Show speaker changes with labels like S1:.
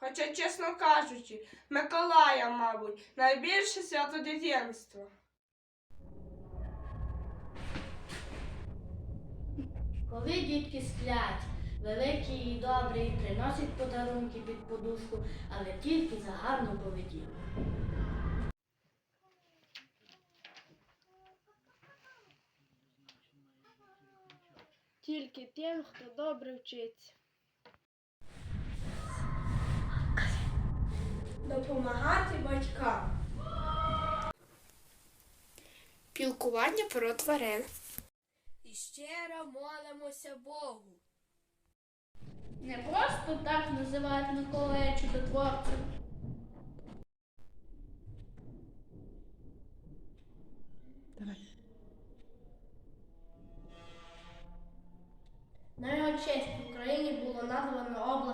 S1: Хоча, чесно кажучи, Миколая, мабуть, найбільше свято дитинства.
S2: Коли дітки сплять, великі і добрі, приносять подарунки під подушку, але тільки за гарну поведінку.
S3: Тільки тим, хто добре вчиться.
S1: Допомагати батькам.
S4: Пілкування про тварин.
S1: І щиро молимося Богу.
S2: Не просто так називають Миколая чудотворцем. На його честь в Україні було названо область